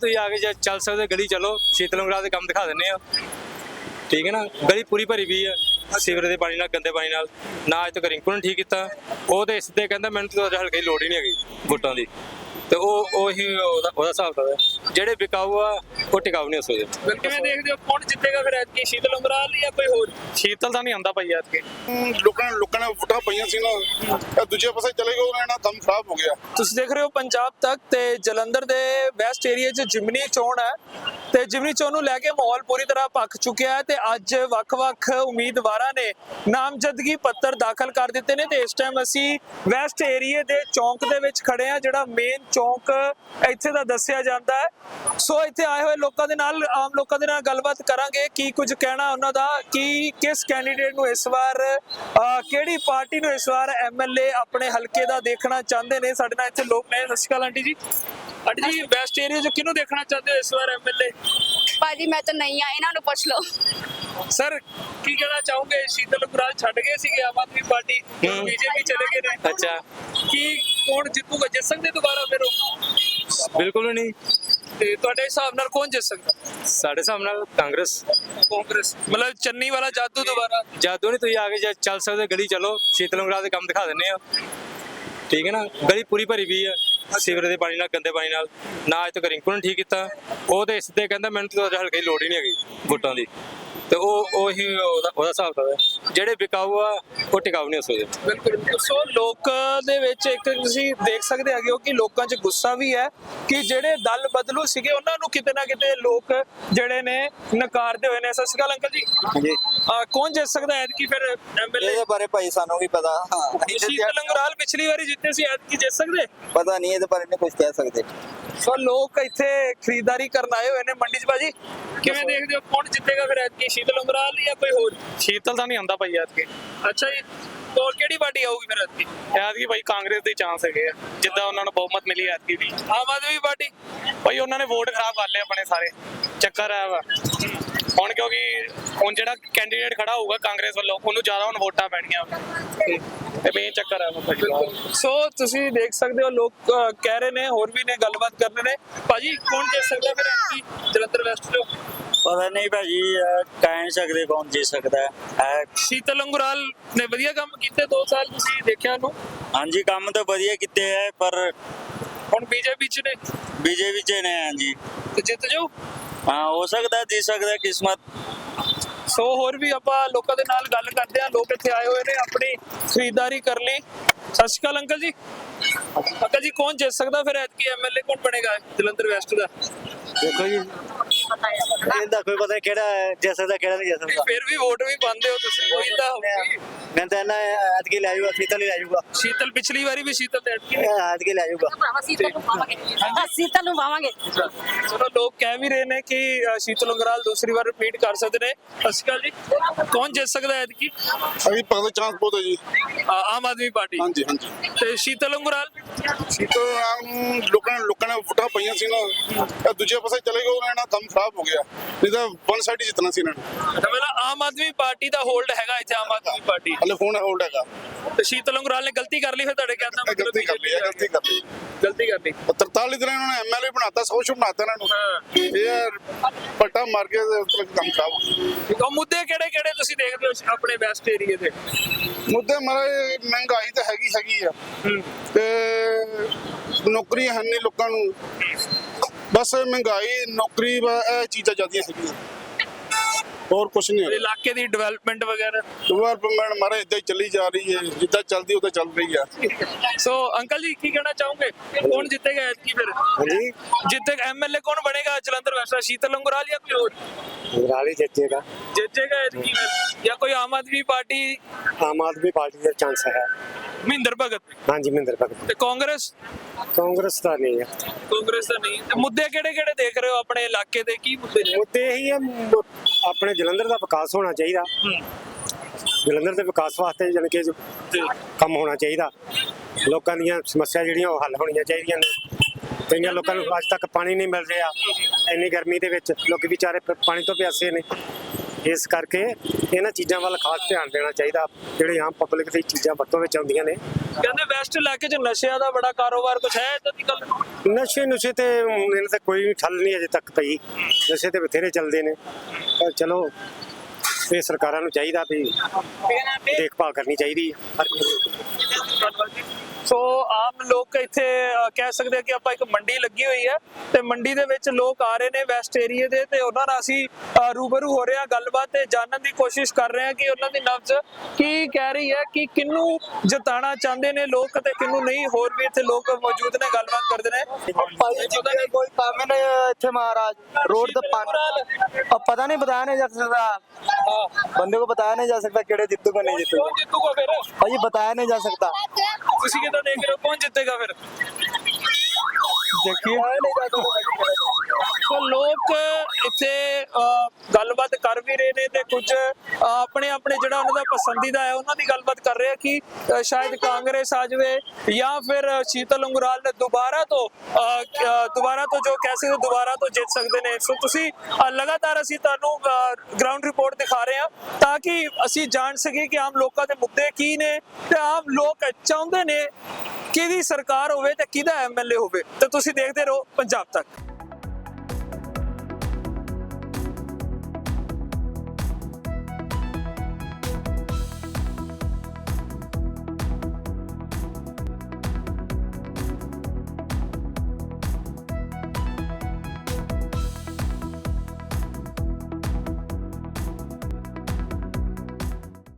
ਤੁਸੀਂ ਆ ਕੇ ਚੱਲ ਸਕਦੇ ਗਲੀ ਚਲੋ ਸ਼ੀਤਲ ਉਂਗਰਾਲ ਦੇ ਕੰਮ ਦਿਖਾ ਦਿੰਨੇ ਆ ਠੀਕ ਹੈ ਨਾ। ਗਲੀ ਪੂਰੀ ਭਰੀ ਵੀ ਆ ਸੀਵਰੇਜ ਦੇ ਪਾਣੀ ਨਾਲ ਗੰਦੇ ਪਾਣੀ ਨਾਲ ਨਾ। ਅੱਜ ਤੱਕ ਰਿੰਕੂ ਨੇ ਠੀਕ ਕੀਤਾ ਉਹ ਤੇ ਇਸ ਤੇ ਕਹਿੰਦਾ ਮੈਨੂੰ ਤਾਂ ਹਲਕੇ ਦੀ ਲੋੜ ਹੀ ਨਹੀਂ ਹੈਗੀ ਵੋਟਾਂ ਦੀ ਤੇ ਉਹੀ ਉਹਦਾ ਹਿਸਾਬ ਤਾਂ ਜਿਹੜੇ ਵਿਕਾਊ ਆ ਉਹ ਟਿਕਾਊ ਨਹੀਂ ਹੋ ਸਕਦੇ। ਕਿਵੇਂ ਦੇਖਦੇ ਹੋ ਕੌਣ ਜਿੱਤੇਗਾ ਫਿਰ ਐਤਕੀ ਸ਼ੀਤਲ ਉਂਗਰਾਲ ਜਾਂ ਕੋਈ ਹੋਰ? ਸ਼ੀਤਲ ਤਾਂ ਨਹੀਂ ਆਉਂਦਾ ਭਾਈ ਐਤਕੀ। ਲੋਕਾਂ ਨੇ ਵੋਟਾਂ ਪਈਆਂ ਸੀ ਨਾ ਦੂਜੇ ਪਾਸੇ ਚਲੇ ਗਏ ਉਹਨਾਂ ਦਾ ਕੰਮ ਖਰਾਬ ਹੋ ਗਿਆ। ਤੁਸੀਂ ਦੇਖ ਰਹੇ ਹੋ ਪੰਜਾਬ ਤੱਕ ਤੇ ਜਲੰਧਰ ਦੇ ਵੈਸਟ ਏਰੀਆ 'ਚ ਜਿਮਨੀ ਚੋਣ ਹੈ ਤੇ ਜਿਮਨੀ ਚੋਣ ਨੂੰ ਲੈ ਕੇ ਮਾਹੌਲ ਪੂਰੀ ਤਰ੍ਹਾਂ ਭਖ ਚੁੱਕਿਆ ਹੈ ਤੇ ਅੱਜ ਵੱਖ-ਵੱਖ ਉਮੀਦਵਾਰਾਂ ਨੇ ਨਾਮਜ਼ਦਗੀ ਪੱਤਰ ਦਾਖਲ ਕਰ ਦਿੱਤੇ ਨੇ ਤੇ ਇਸ ਟਾਈਮ ਅਸੀਂ ਵੈਸਟ ਏਰੀਆ ਦੇ ਚੌਂਕ ਦੇ ਵਿੱਚ ਖੜੇ ਆ ਜਿਹੜਾ ਮੇਨ ਚੌਂਕ ਇੱਥੇ ਦਾ ਦੱਸਿਆ ਜਾਂਦਾ ਹੈ। ਸੋ ਇੱਥੇ ਆਏ ਹੋਏ ਲੋਕਾਂ ਦੇ ਨਾਲ ਆਮ ਲੋਕਾਂ ਦੇ ਨਾਲ ਗੱਲਬਾਤ ਕਰਾਂਗੇ ਕੀ ਕੁਝ ਕਹਿਣਾ ਉਹਨਾਂ ਦਾ ਕਿ ਕਿਸ ਕੈਂਡੀਡੇਟ ਨੂੰ ਇਸ ਵਾਰ ਕਿਹੜੀ ਪਾਰਟੀ ਨੂੰ ਇਸ ਵਾਰ ਐਮਐਲਏ ਆਪਣੇ ਹਲਕੇ ਦਾ ਦੇਖਣਾ ਚਾਹੁੰਦੇ ਨੇ। ਸਾਡੇ ਨਾਲ ਇੱਥੇ ਲੋਕ ਨੇ। Sat Sri Akal aunty ji. Aunty ji west area 'ਚ ਕਿਹਨੂੰ ਦੇਖਣਾ ਚਾਹੁੰਦੇ ਹੋ ਇਸ ਵਾਰ ਐਮਐਲਏ? ਭਾਜੀ ਮੈਂ ਤਾਂ ਨਹੀਂ ਆ, ਇਹਨਾਂ ਨੂੰ ਪੁੱਛ ਲਓ। ਸਰ ਕੀ ਕਹਿਣਾ ਚਾਹੋਗੇ? ਸ਼ੀਤਲ ਉਂਗਰਾਲ ਛੱਡ ਗਏ ਸੀਗੇ ਆਮ ਆਦਮੀ ਪਾਰਟੀ, ਬੀਜੇਪੀ ਚਲੇ ਗਏ ਨੇ। ਅੱਛਾ ਕੀ ਕੌਣ ਜਿੱਤੂਗਾ? ਜਿੱਤ ਸਕਦੇ ਦੁਬਾਰਾ ਫਿਰ ਉਹ? ਬਿਲਕੁਲ ਨਹੀਂ। ਤੇ ਤੁਹਾਡੇ ਹਿਸਾਬ ਨਾਲ ਕੌਣ ਜਿੱਤ ਸਕਦਾ? ਸਾਡੇ ਹਿਸਾਬ ਨਾਲ ਕਾਂਗਰਸ। ਕਾਂਗਰਸ ਮਤਲਬ ਚੰਨੀ ਵਾਲਾ ਜਾਦੂ ਦੁਬਾਰਾ? ਜਾਦੂ ਨਹੀਂ, ਤੁਸੀਂ ਆ ਕੇ ਚੱਲ ਸਕਦੇ ਗਲੀ ਚਲੋ ਸ਼ੀਤਲ ਉਂਗਰਾਲ ਦੇ ਕੰਮ ਦਿਖਾ ਦਿੰਨੇ ਆ ਠੀਕ ਹੈ ਨਾ। ਗਲੀ ਪੂਰੀ ਭਰੀ ਵੀ ਆ ਸੀਵਰੇਜ ਦੇ ਪਾਣੀ ਨਾਲ ਗੰਦੇ ਪਾਣੀ ਨਾਲ ਨਾ। ਅੱਜ ਤੱਕ ਰਿੰਕੂ ਨੇ ਠੀਕ ਕੀਤਾ ਉਹ ਤੇ ਇਸ ਤੇ ਕਹਿੰਦਾ ਮੈਨੂੰ ਤਾਂ ਹਲਕੇ ਦੀ ਲੋੜ ਹੀ ਨਹੀਂ ਹੈਗੀ ਵੋਟਾਂ ਦੀ ਤੇ ਉਹੀ ਉਹਦਾ ਹਿਸਾਬ ਤਾਂ ਜਿਹੜੇ ਵਿਕਾਊ ਆ ਉਹ ਟਿਕਾਊ ਨਹੀਂ ਹੋ ਸਕਦੇ। ਬਿਲਕੁਲ। ਸੋ ਲੋਕ ਦੇ ਵਿੱਚ ਇੱਕ ਤੁਸੀਂ ਦੇਖ ਸਕਦੇ ਹੈਗੇ ਹੋ ਕਿ ਲੋਕਾਂ 'ਚ ਗੁੱਸਾ ਵੀ ਹੈ ਕਿ ਜਿਹੜੇ ਦਲ ਬਦਲੂ ਸੀਗੇ ਉਹਨਾਂ ਨੂੰ ਕਿਤੇ ਨਾ ਕਿਤੇ ਲੋਕ ਜਿਹੜੇ ਨੇ ਨਕਾਰਦੇ ਹੋਏ ਨੇ। ਸਤਿ ਸ਼੍ਰੀ ਅਕਾਲ ਅੰਕਲ ਜੀ। ਜੀ ਕੌਣ ਜਿੱਤ ਸਕਦਾ ਐਤਕੀ ਫਿਰ ਐਮਐਲਏ? ਇਹਦੇ ਬਾਰੇ ਭਾਈ ਸਾਨੂੰ ਵੀ ਪਤਾ। ਸ਼ੀਤਲ ਉਂਗਰਾਲ ਪਿਛਲੀ ਵਾਰੀ ਜਿੱਤੇ ਸੀ, ਐਤਕੀ ਜਿੱਤ ਸਕਦੇ? ਪਤਾ ਨਹੀਂ ਇਹਦੇ ਬਾਰੇ ਨਹੀਂ ਕੁਝ ਕਹਿ ਸਕਦੇ। ਸੋ ਲੋਕ ਇੱਥੇ ਖਰੀਦਦਾਰੀ ਕਰਨ ਆਏ ਹੋਏ ਨੇ ਮੰਡੀ 'ਚ। ਭਾਜੀ ਕਿਵੇਂ ਦੇਖਦੇ ਹੋ ਕੌਣ ਜਿੱਤੇਗਾ ਫਿਰ ਐਤਕੀ? ਸ਼ੀਤਲ ਉਂਗਰਾਲ ਜਾਂ ਕੋਈ ਹੋਰ? ਸ਼ੀਤਲ ਤਾਂ ਨਹੀਂ ਆਉਂਦਾ ਭਾਈ ਐਤਕੀ। ਅੱਛਾ ਜੀ। ਹੋਰ ਕਿਹੜੀ ਪਾਰਟੀ ਆਊਗੀ ਫਿਰ ਐਤਕੀ? ਐਤਕੀ ਭਾਈ ਕਾਂਗਰਸ ਦੇ ਚਾਂਸ ਹੈਗੇ ਆ ਜਿੱਦਾਂ ਉਹਨਾਂ ਨੂੰ ਬਹੁਮਤ ਮਿਲੀ ਐਤਕੀ ਵੀ। ਆਮ ਆਦਮੀ ਪਾਰਟੀ? ਭਾਈ ਉਹਨਾਂ ਨੇ ਵੋਟ ਖਰਾਬ ਕਰ ਲਏ ਆਪਣੇ ਸਾਰੇ। ਚੱਕਰ ਆਇਆ ਵਾ ਹੁਣ ਕਿਉਂਕਿ ਹੁਣ ਜਿਹੜਾ ਕੈਂਡੀਡੇਟ ਖੜਾ ਹੋਊਗਾ ਕਾਂਗਰਸ ਵੱਲੋਂ ਉਹਨੂੰ ਜ਼ਿਆਦਾ ਹੁਣ ਵੋਟਾਂ ਪੈਣੀਆਂ ਤੇ ਮੇਨ ਚੱਕਰ ਆ ਭਾਜੀ। ਸੋ ਤੁਸੀਂ ਦੇਖ ਸਕਦੇ ਹੋ ਲੋਕ ਕਹਿ ਰਹੇ ਨੇ, ਹੋਰ ਵੀ ਨੇ ਗੱਲਬਾਤ ਕਰਨੇ ਨੇ। ਭਾਜੀ ਕੌਣ ਜਿੱਤ ਸਕਦਾ ਫਿਰ ਐਤਕੀ ਜਲੰਧਰ ਵੈਸਟ ਤੋਂ? ਪਤਾ ਨਹੀਂ ਭਾਜੀ ਕਹਿ ਨਹੀਂ ਸਕਦੇ ਕੌਣ ਜੀ ਸਕਦਾ ਹੈ। ਸ਼ੀਤਲ ਉਂਗਰਾਲ ਨੇ ਵਧੀਆ ਕੰਮ ਕੀਤੇ 2 ਸਾਲ, ਤੁਸੀਂ ਦੇਖਿਆ ਉਹਨੂੰ? ਹਾਂਜੀ ਕੰਮ ਤਾਂ ਵਧੀਆ ਕੀਤੇ ਹੈ ਪਰ ਹੁਣ ਬੀਜੇਪੀ 'ਚ ਨੇ। ਬੀਜੇਪੀ ਚ ਨੇ। ਹਾਂਜੀ ਤੇ ਜਿੱਤ ਜਾਓ। ਹਾਂ ਹੋ ਸਕਦਾ ਜੀ ਸਕਦਾ ਕਿਸਮਤ। ਸੋ ਹੋਰ ਵੀ ਆਪਾਂ ਲੋਕਾਂ ਦੇ ਨਾਲ ਗੱਲ ਕਰਦੇ ਆ। ਲੋਕ ਇੱਥੇ ਆਏ ਹੋਏ ਨੇ ਆਪਣੀ ਖਰੀਦਦਾਰੀ ਕਰ ਲਈ। ਸਤਿ ਸ਼੍ਰੀ ਅਕਾਲ ਅੰਕਲ ਜੀ। ਅੰਕਲ ਜੀ ਕੌਣ ਜਿੱਤ ਸਕਦਾ ਫਿਰ ਐਤਕੀ ਐਮਐਲਏ? ਕੌਣ ਬਣੇਗਾ ਜਲੰਧਰ ਵੈਸਟ ਦਾ? ਦੇਖੋ ਜੀ ਇਹਦਾ ਕੋਈ ਪਤਾ ਕਿਹੜਾ ਜਿੱਤ ਸਕਦਾ ਕਿਹੜਾ ਨਹੀਂ ਜਿੱਤ ਸਕਦਾ। ਫਿਰ ਵੀ ਵੋਟ ਵੀ ਪਾਉਂਦੇ ਹੋ ਤੁਸੀਂ, ਕੋਈ ਤਾਂ ਹੋਊਗੀ। ਮੈਂ ਤਾਂ ਇਹਨਾਂ ਐਤਕੀ ਲੈ ਜਾਊਗਾ ਸ਼ੀਤਲ ਹੀ ਲੈ ਜਾਊਗਾ। ਸ਼ੀਤਲ ਪਿਛਲੀ ਵਾਰੀ ਵੀ ਸ਼ੀਤਲ ਤੇ ਐਤਕੀ ਐਤਕੀ ਲੈ ਜਾਊਗਾ। ਸ਼ੀਤਲ ਨੂੰ ਪਾਵਾਂਗੇ। ਸ਼ੀਤਲ ਨੂੰ ਪਾਵਾਂਗੇ। ਚਲੋ ਲੋਕ ਕਹਿ ਵੀ ਰਹੇ ਨੇ ਕਿ ਸ਼ੀਤਲ ਉਂਗਰਾਲ ਦੂਸਰੀ ਵਾਰ ਰਿਪੀਟ ਕਰ ਸਕਦੇ ਨੇ। ਸਤਿ ਸ਼੍ਰੀ ਅਕਾਲ ਜੀ। ਕੌਣ ਜਿੱਤ ਸਕਦਾ ਐਤਕੀ? ਅਭੀ ਪਤਾ ਚਾਂਸ ਬਹੁਤ ਹੈ ਜੀ। ਆਮ ਆਦਮੀ ਪਾਰਟੀ? ਹਾਂਜੀ ਹਾਂਜੀ। ਤੇ ਸ਼ੀਤਲ ਉਂਗਰਾਲ? ਸ਼ੀਤਲ ਲੋਕਾਂ ਨੇ ਵੋਟਾਂ ਪਈਆਂ ਸੀ ਨਾ ਦੂਜੇ ਪਾਸੇ ਚਲੇ ਗਏ ਉਹਨਾਂ ਦਾ ਕੰਮ ਖਰਾਬ ਹੋ ਗਿਆ। ਨਹੀਂ ਤਾਂ ਵਨ ਸਾਈਡ ਹੀ ਜਿੱਤਣਾ ਸੀ ਇਹਨਾਂ ਨੇ। ਮਤਲਬ ਆਮ ਆਦਮੀ ਪਾਰਟੀ ਦਾ ਹੋਲਡ ਹੈਗਾ ਇੱਥੇ? ਆਮ ਆਦਮੀ ਪਾਰਟੀ ਹਲੇ ਫੋਨ ਹੋਲਡ ਹੈਗਾ। ਤੇ ਸ਼ੀਤਲ ਉਂਗਰਾਲ ਨੇ ਗਲਤੀ ਕਰ ਲਈ ਫਿਰ ਤੁਹਾਡੇ ਕਹਿੰਦਾ ਮਤਲਬ? ਗਲਤੀ ਕਰ ਲਈ। ਗਲਤੀ ਕਰ ਲਈ। 43 ਦਿਨ ਇਹਨਾਂ ਨੇ ਐਮਐਲਏ ਬਣਾਤਾ, ਸੌ ਸ਼ੁਭ ਬਣਾਤਾ ਇਹਨਾਂ ਨੂੰ। ਇਹ ਪੱਟਾ ਮਾਰ ਕੇ ਕੰਮ ਖਰਾਬ ਹੋ ਗਿਆ। ਉਹ ਮੁੱਦੇ ਕਿਹੜੇ ਤੁਸੀਂ ਦੇਖਦੇ ਹੋ ਆਪਣੇ ਵੈਸਟ ਏਰੀਆ ਦੇ? ਮੁੱਦੇ ਮਾਰੇ ਮਹਿੰਗਾਈ ਤਾਂ ਹੈਗੀ ਆ ਤੇ ਨੌਕਰੀਆਂ ਹਨ ਨਹੀਂ ਲੋਕਾਂ ਨੂੰ। ਬਸ ਮਹਿੰਗਾਈ ਨੌਕਰੀ ਇਹ ਚੀਜ਼ਾਂ ਜ਼ਿਆਦੀਆਂ ਹੈਗੀਆਂ, ਹੋਰ ਕੁਛ ਨਹੀਂ ਹੈ। ਇਲਾਕੇ ਦੀ ਡਿਵੈਲਪਮੈਂਟ ਵਗੈਰਾ? ਡਿਵੈਲਪਮੈਂਟ ਮਾਰੇ ਏਦਾਂ ਹੀ ਚੱਲੀ ਜਾ ਰਹੀ ਹੈ, ਜਿੱਦਾਂ ਚੱਲਦੀ ਉਦਾਂ ਚੱਲ ਰਹੀ ਆ। ਸੋ ਅੰਕਲ ਜੀ ਕੀ ਕਹਿਣਾ ਚਾਹੋਗੇ ਕੌਣ ਜਿੱਤੇਗਾ ਐਤਕੀ ਫਿਰ? ਹਾਂਜੀ ਜਿੱਤੇ ਐਮਐਲਏ ਕੌਣ ਬਣੇਗਾ ਜਲੰਧਰ ਵੈਸਟ? ਸ਼ੀਤਲ ਉਂਗਰਾਲ ਜਾਂ ਕੋਈ ਹੋਰ? ਉਂਗਰਾਲ ਹੀ ਜਿੱਤੇਗਾ। ਜਿੱਤੇਗਾ ਐਤਕੀ ਫਿਰ ਜਾਂ ਕੋਈ ਆਮ ਆਦਮੀ ਪਾਰਟੀ? ਆਮ ਆਦਮੀ ਪਾਰਟੀ ਦਾ ਚਾਂਸ ਹੈ। ਮਹਿੰਦਰ ਭਗਤ? ਹਾਂਜੀ ਮਹਿੰਦਰ ਭਗਤ। ਤੇ ਕਾਂਗਰਸ? ਕਾਂਗਰਸ ਦਾ ਨਹੀਂ ਹੈ। ਕਾਂਗਰਸ ਦਾ ਨਹੀਂ। ਤੇ ਮੁੱਦੇ ਕਿਹੜੇ ਦੇਖ ਰਹੇ ਹੋ ਆਪਣੇ ਇਲਾਕੇ ਦੇ? ਕੀ ਮੁੱਦੇ ਨੇ? ਮੁੱਦੇ ਇਹੀ ਹੈ ਆਪਣੇ ਜਲੰਧਰ ਦਾ ਵਿਕਾਸ ਹੋਣਾ ਚਾਹੀਦਾ। ਜਲੰਧਰ ਦੇ ਵਿਕਾਸ ਵਾਸਤੇ ਜਾਣੀ ਕਿ ਕੰਮ ਹੋਣਾ ਚਾਹੀਦਾ। ਲੋਕਾਂ ਦੀਆਂ ਸਮੱਸਿਆ ਜਿਹੜੀਆਂ ਉਹ ਹੱਲ ਹੋਣੀਆਂ ਚਾਹੀਦੀਆਂ ਨੇ। ਕਈਆਂ ਲੋਕਾਂ ਨੂੰ ਅੱਜ ਤੱਕ ਪਾਣੀ ਨਹੀਂ ਮਿਲ ਰਿਹਾ। ਇੰਨੀ ਗਰਮੀ ਦੇ ਵਿੱਚ ਲੋਕ ਵਿਚਾਰੇ ਪਾਣੀ ਤੋਂ ਪਿਆਸੇ ਨੇ। ਇਸ ਕਰਕੇ ਇਹਨਾਂ ਚੀਜ਼ਾਂ ਵੱਲ ਖਾਸ ਧਿਆਨ ਦੇਣਾ ਚਾਹੀਦਾ, ਜਿਹੜੇ ਆਮ ਪਬਲਿਕ ਦੀ ਚੀਜ਼ਾਂ ਵਰਤੋਂ ਵਿੱਚ ਆਉਂਦੀਆਂ ਨੇ। ਕਹਿੰਦੇ ਵੈਸਟ ਇਲਾਕੇ 'ਚ ਨਸ਼ਿਆਂ ਦਾ ਬੜਾ ਕਾਰੋਬਾਰ ਕੁਛ ਹੈ ਇਦਾਂ ਦੀ ਗੱਲ? ਨਸ਼ੇ ਤੇ ਇਹਨਾਂ ਤੇ ਕੋਈ ਠੱਲ ਨਹੀਂ ਅਜੇ ਤੱਕ ਪਈ, ਨਸ਼ੇ ਤੇ ਬਥੇਰੇ ਚੱਲਦੇ ਨੇ, ਪਰ ਚਲੋ ਇਹ ਸਰਕਾਰਾਂ ਨੂੰ ਚਾਹੀਦਾ ਵੀ ਦੇਖਭਾਲ ਕਰਨੀ ਚਾਹੀਦੀ ਹੈ ਹਰ ਕਿਸੇ ਦੀ। ਸੋ ਆਮ ਲੋਕ ਇੱਥੇ ਕਹਿ ਸਕਦੇ ਆ ਕਿ ਆਪਾਂ ਇੱਕ ਮੰਡੀ ਲੱਗੀ ਹੋਈ ਹੈ ਤੇ ਮੰਡੀ ਦੇ ਵਿੱਚ ਲੋਕ ਆ ਰਹੇ ਨੇ ਵੈਸਟ ਏਰੀਏ ਦੇ, ਤੇ ਉਹਨਾਂ ਨਾਲ ਅਸੀਂ ਰੂਬਰੂ ਹੋ ਰਹੇ ਹਾਂ, ਗੱਲਬਾਤ ਤੇ ਜਾਣਨ ਦੀ ਕੋਸ਼ਿਸ਼ ਕਰ ਰਹੇ ਹਾਂ ਕਿ ਉਹਨਾਂ ਦੀ ਨਬਜ਼ ਕੀ ਕਹਿ ਰਹੀ ਹੈ, ਕਿ ਕਿਹਨੂੰ ਜਿਤਾਣਾ ਚਾਹੁੰਦੇ ਨੇ ਲੋਕ ਤੇ ਕਿਹਨੂੰ ਨਹੀਂ। ਹੋਰ ਵੀ ਇੱਥੇ ਲੋਕ ਮੌਜੂਦ ਨੇ, ਗੱਲਬਾਤ ਕਰਦੇ ਨੇ। कोई काम ही नहीं है इत्थे महाराज रोड तो पानी अब पता नहीं बताया नहीं जा सकता बंदे को बताया नहीं जा सकता केड़े जितूगा नहीं जितूगा ਕੌਣ ਜਿੱਤੂਗਾ ਫਿਰ? भाई बताया नहीं जा सकता ਤੁਸੀਂ ਕਿਦਾਂ ਦੇਖ ਰਹੇ ਹੋ ਕੌਣ ਜਿੱਤੇਗਾ ਫਿਰ? देखिए ਸੋ ਲੋਕ ਇੱਥੇ ਗੱਲਬਾਤ ਕਰ ਵੀ ਰਹੇ ਨੇ ਤੇ ਕੁਝ ਆਪਣੇ ਆਪਣੇ ਜਿਹੜਾ ਉਹਨਾਂ ਦਾ ਪਸੰਦੀਦਾ ਹੈ ਉਹਨਾਂ ਦੀ ਗੱਲਬਾਤ ਕਰ ਰਹੇ ਆ ਕਿ ਸ਼ਾਇਦ ਕਾਂਗਰਸ ਆ ਜਾਵੇ ਜਾਂ ਫਿਰ ਸ਼ੀਤਲ ਉਂਗਰਾਲ ਨੇ ਦੁਬਾਰਾ ਤੋਂ ਜੋ ਕਹਿ ਸਕਦੇ ਦੁਬਾਰਾ ਤੋਂ ਜਿੱਤ ਸਕਦੇ ਨੇ। ਸੋ ਤੁਸੀਂ ਲਗਾਤਾਰ ਅਸੀਂ ਤੁਹਾਨੂੰ ਗਰਾਊਂਡ ਰਿਪੋਰਟ ਦਿਖਾ ਰਹੇ ਹਾਂ ਤਾਂ ਕਿ ਅਸੀਂ ਜਾਣ ਸਕੀਏ ਕਿ ਆਮ ਲੋਕਾਂ ਦੇ ਮੁੱਦੇ ਕੀ ਨੇ ਤੇ ਆਮ ਲੋਕ ਚਾਹੁੰਦੇ ਨੇ ਕਿਹਦੀ ਸਰਕਾਰ ਹੋਵੇ ਤੇ ਕਿਹਦਾ ਐਮਐਲਏ ਹੋਵੇ। ਤੇ ਤੁਸੀਂ ਦੇਖਦੇ ਰਹੋ ਪੰਜਾਬ ਤੱਕ।